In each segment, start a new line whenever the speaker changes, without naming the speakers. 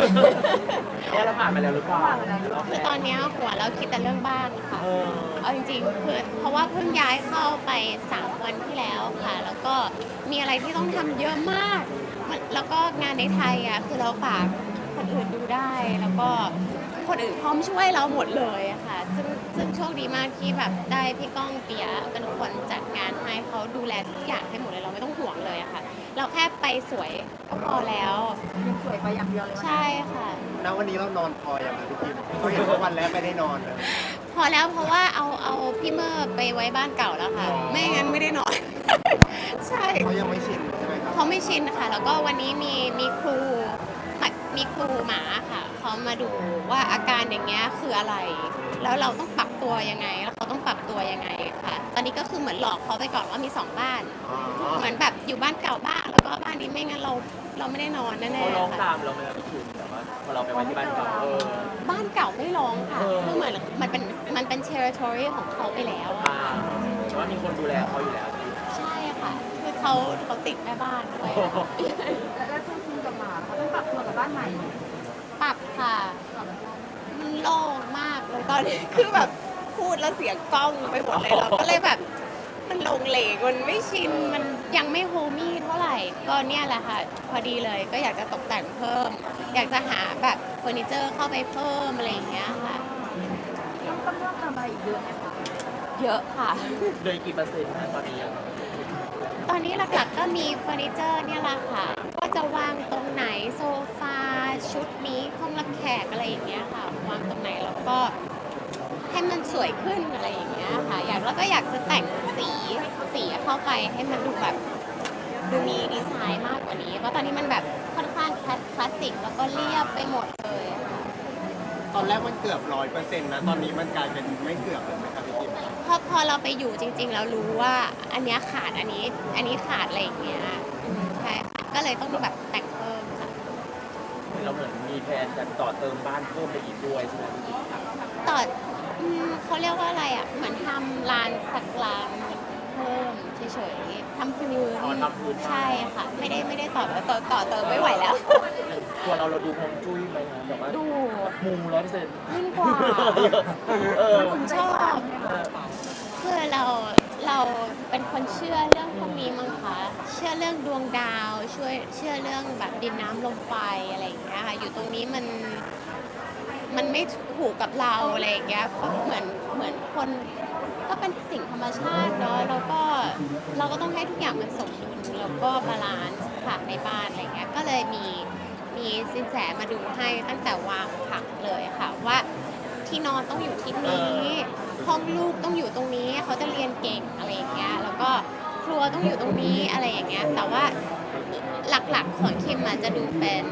เนี่ยเราผ่านมาแล้วหรือเปล่า
คือตอนเนี้ยหัวเราคิดแต่เรื่องบ้านค่ะเอาจริงๆคือเพราะว่าเพิ่งย้ายเข้าไป3 วันที่แล้วค่ะแล้วก็มีอะไรที่ต้องทำเยอะมากแล้วก็งานในไทยอ่ะคือเราฝากคนอื่นดูได้แล้วก็คนอื่นพร้อมช่วยเราหมดเลยอะค่ะซึ่งโชคดีมากที่แบบได้พี่ก้องเปียเป็นคนจัดงานให้เขาดูแลทุกอย่างให้หมดเลยเราไม่ต้องห่วงเลยอะค่ะเราแค่ไปสวยก็พอแล้ว
ยังสวยไปอย่างเดียวเลย
ใช่ค่ะ
แล้ววันนี้เรานอนพออย่างไรพี่ทิมเขาเห็นว่าวันแรกไม่ได้นอนเลย
พอแล้วเพราะว่าเอาพี่เมอร์ไปไว้บ้านเก่าแล้วค่ะ ไม่งั้นไม่ได้นอน ใช่
เขายังไม่ชินใช่ไหมครับ
เขาไม่ชินค่ะ แล้วก็วันนี้มีครูหมาค่ะเขามาดูว่าอาการอย่างเงี้ยคืออะไร แล้วเราต้องปรับตัวยังไงแล้วเขาต้องปรับตัวยังไงค่ะ ตอนนี้ก็คือเหมือนหลอกเขาไปก่อนว่ามี2 บ้าน เหมือนแบบอยู่บ้านเก่าบ้างแล้วก็บ้านนี้ไม่งั้นเราไม่ได้นอนแน่
เขาร้อง
ๆค่ะ
ตามเราไหมครับพี่คิมแต่ว่าพอเราไปไว้ที่บ้านเก่า
บ้านเก่าไม่ร้องค่ะคือเหมือนมันเป็น territory ของเขาไปแล้วอะ
แต่ว่ามีคนดูแลเขาอยู่แล้ว
ใช่ค่ะคือเขาติดแม่บ้านด้วย
แล้วช่วงคุณกับหมาเขาต้องปรับตัวกับบ้านใหม่
ปรับค่ะมันโล่งมากเลยตอนนี้คือแบบพูดแล้วเสียงกล้องไปหมดเลยเราก็เลยแบบมันลงเหลงมันไม่ชินมันยังไม่โฮมี่เท่าไหร่ก็เนี่ยแหละค่ะพอดีเลยก็อยากจะตกแต่งเพิ่ม อยากจะหาแบบเฟอร์นิเจอร์เข้าไปเพิ่มอะไรอย่างเงี้ยค่ะ
ต้องเลือกทำอะไรอีกเยอะไหมคะ
เยอะค่ะ
โดยกี่เปอร์เซ็นต์นะตอนนี้
ตอนนี้หลักๆก็มีเฟอร์นิเจอร์เนี่ยแหละค่ะก็จะวางตรงไหนโซฟาชุดนี้ห้องรับแขกอะไรอย่างเงี้ยค่ะวางตรงไหนแล้วก็ให้มันสวยขึ้นอะไรอย่างเงี้ยค่ะแล้วก็อยากจะแต่งสีเข้าไปให้มันดูแบบดูมีดีไซน์มากกว่านี้เพราะตอนนี้มันแบบค่อนข้างคลาสสิกแล้วก็เรียบไปหมดเลยค่ะ
ตอนแรกมันเกือบ100%นะตอนนี้มันกลายเป็นไม่เกือบเลยไหมครับพี่ทิม
พอเราไปอยู่จริงๆแล้วรู้ว่าอันเนี้ยขาดอันนี้ขาดอะไรอย่างเงี้ยใช่ค่ะก็เลยต้องแบบแต่งเพิ่มค่ะ
เราเหมือนมีแผนจะต่อเติมบ้านเพิ่มไปอีกด้วยใช่ไหมพี่คิม
ต่อเขาเรียกว่าอะไรอ่ะเหมือนทำลานสักลานเพิ่มเฉยๆทำพื้นใช่ค่ะไม่ได้ต่อเติมไม่ไหวแล้ว
ตัวเราดูฮวงจุ้ยไหมนะแบบว่า
ดู
มู100%
ยิ่งกว่าชอบคือเราเป็นคนเชื่อเรื่องพวกนี้มั้งคะเชื่อเรื่องดวงดาวเชื่อเรื่องแบบดินน้ำลมไฟอะไรอย่างเงี้ยค่ะอยู่ตรงนี้มันไม่ถูกกับเราอะไรอย่างเงี้ยเหมือนคนก็เป็นสิ่งธรรมชาติเนาะแล้วก็เราก็ต้องให้ทุกอย่างมันสมดุลแล้วก็บาลานซ์ค่ะในบ้านอะไรเงี้ยก็เลยมีสินแสมาดูให้ตั้งแต่วางผังเลยค่ะว่าที่นอนต้องอยู่ที่นี้ห้องลูกต้องอยู่ตรงนี้เขาจะเรียนเก่งอะไรอย่างเงี้ยแล้วก็ครัวต้องอยู่ตรงนี้อะไรอย่างเงี้ยแต่ว่าหลักๆของคิมอาจจะดูเป็น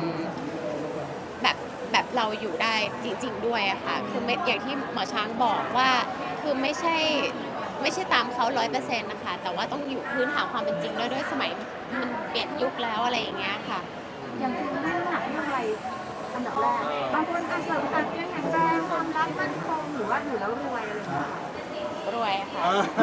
แบบเราอยู่ได้จริงๆด้วยอะค่ะคือไม่อย่างที่หมอช้างบอกว่าคือไม่ใช่ตามเขา100%นะคะแต่ว่าต้องอยู่พื้นฐานความเป็นจริงด้วยสมัยมันเปลี่ยนยุคแล้วอะไรอย่างเงี้ยค่ะ
อย่างคุณไม่หนักเรื่องอะไรอันดับแรกบางคนอาจจะแบบเรื่องแข็งแรงความรักมั่นคงหรือว่าอยู่แล้วรวยอะไรอย่างเงี้ย
รวยค่ะ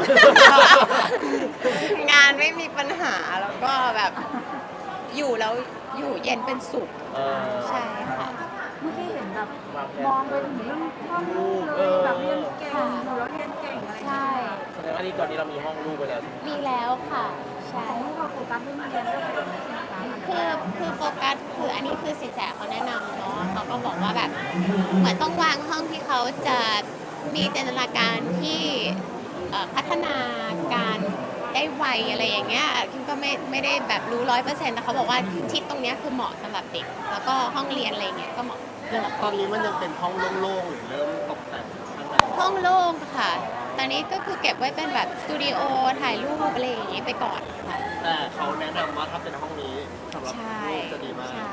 งานไม่มีปัญหาแล้วก็แบบอยู่แล้วอยู่เย็นเป็นสุขใช่ค่ะ
เมื่อกี้เห็นแบบมองไปถึงเรื่องห้องลูกเลยแบบเรียนเก่งอยู่แล้วเรียนเก่งอะไรอย่าง
ใช่
เงี้ย
แสดงว่านี่ตอนนี้เรามีห้องลูกไปแล้ว
มีแล้วค่ะใช่
ของลูกเราโฟกัสเรื่องเรียนเรื่องอะไรใช่ไหมคะ
คือโฟกัสคืออันนี้คือสินแสเขาแนะนำเนาะเขาก็บอกว่าแบบเหมือนต้องวางห้องที่เขาจะมีจินตนาการที่พัฒนาการได้ไวอะไรอย่างเงี้ยคิมก็ไม่ได้แบบรู้100%แต่เขาบอกว่าทิศตรงเนี้ยคือเหมาะสำหรับเด็กแล้วก็ห้องเรียนอะไรเงี้ยก็เหมาะ
ตอนนี้มันยังเป็นห้องโล่งๆหรือเริ่มตกแต่งข้างใน
ห้องโล่งค่ะ ตอนนี้ก็คือเก็บไว้เป็นแบบสตูดิโอถ่ายรูปอะไรอย่างงี้ไปก่อนค่ะ
แต่เขาแนะนำว่าถ้าเป็นห้องนี้สำหรับ
ใช่
ลูกจะดีมาก
ใช่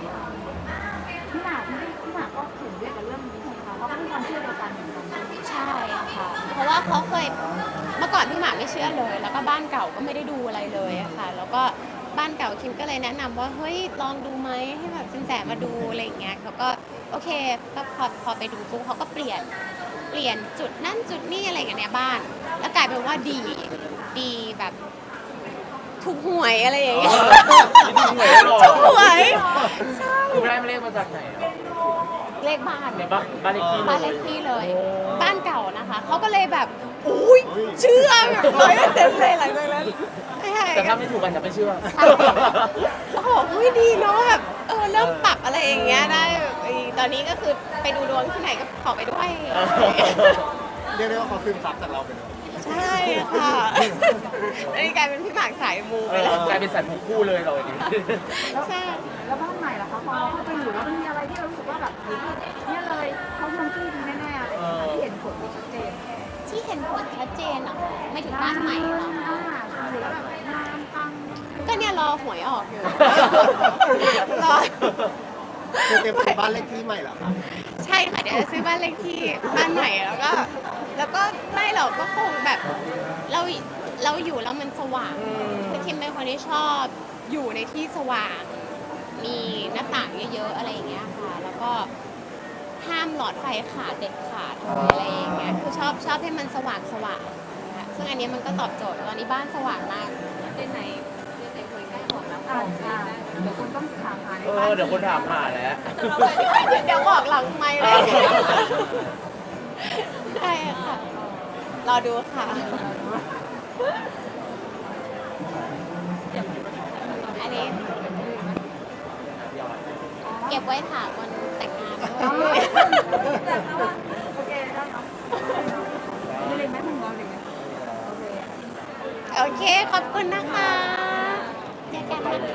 พี่หมากก็เขียนด้วยกับเรื่องนี้ใช่ไหมคะเขาก็มีความเชื่อเดียวกันเหมือนกัน
ใช่ค่ะ เพราะว่าเขาเคยเมื่อก่อนพี่หมากไม่เชื่อเลย แล้วก็บ้านเก่าก็ไม่ได้ดูอะไรเลยอะค่ะ แล้วก็บ้านเก่าคิมก็เลยแนะนำว่าเฮ้ยลองดูไหมให้แบบสินแสมาดูอะไรอย่างเงี้ยเขาก็โอเคก็พอไปดูปุ๊บเขาก็เปลี่ยนจุดนั่นจุดนี่อะไรอย่างเงี้ยในบ้าน แล้วกลายเป็นว่าดีแบบถูกหวยอะไรอย่างเงี้ย
ถูกหวยหรอ
ถูกหวยใช่
คุณได้มาเลขมาจากไหนอะ
เลขบ้าน
ในบ้านเลขที่
บ้านเลขที่เลย บ้านเก่านะคะเขาก็เลยแบบอุ้ยเชื่อแบบ100%เลยหลังจากนั้นใช่
แต่ถ้าไม่ถูกกันจะไม่เชื่อ
ใช่แล้วเขาบอกอุ้ยดีเนาะแบบเริ่มปรับอะไรอย่างเงี้ยได้แบบตอนนี้ก็คือไปดูดวงที่ไหนก็ขอไปด้วย
เรียกได้ว่าเขาซึมซับจากเราไปเลย
ใช่ค่ะอันนี้กลายเป็นพี่หมากสายมูไปแล้ว
กลายเป็นสัตว์คู่เลยเราอย่างนี้
ใช่
แล้วบ้านใหม่ล่ะคะพอเราเข้าไปอยู่แล้วมันมีอะไรที่เรารู้สึกว่าแบบเนี่ยเลยเขาทำที่ดีแน่ๆอะไรอย่างเงี้ยที่เห็นผลชัดเจน
ที่เห็นผลชัดเจนเหรอไม่ถึงบ้านใหม่เหรอ
อยู่แล้วแบบงามปัง
ก็เนี่ยรอหวยออกอยู่ รอ
คือเต็มเป็นบ้านเลขที่ใหม่เหรอคะ
ใช่ค่ะเดี๋ยวจะซื้อบ้านเลขที่บ้านใหม่แล้วก็ไม่หรอกก็คงแบบเราอยู่แล้วมันสว่างคือคิมเป็นคนที่ชอบอยู่ในที่สว่าง มีหน้าต่างเยอะๆอะไรอย่างเงี้ยค่ะ แล้วก็ห้ามหลอดไฟขาดเด็ดขาดอะไรอย่างเงี้ยคือชอบให้มันสว่างนะคะซึ่งอันนี้มันก็ตอบโจทย์ตอนนี้บ้านสว่างมากเดินไหนคุยใกล้หมดแล้ว
เดี๋ยวคุณต้องถามหาใน
เอ
บ้าน
อเดี๋ยวคนถามหาแล้ว
เดี๋ยวบอกหลังไมค์เลยใช่ค่ะ รอดูค่ะ อันนี้ เก็บไว้ถามวันแต่งงานด้วย
โอเคได้เนาะมีอะไรไหมคุณบอลอะไรไหมโอเค
โอเค ขอบคุณนะคะ เจอกันนะคะ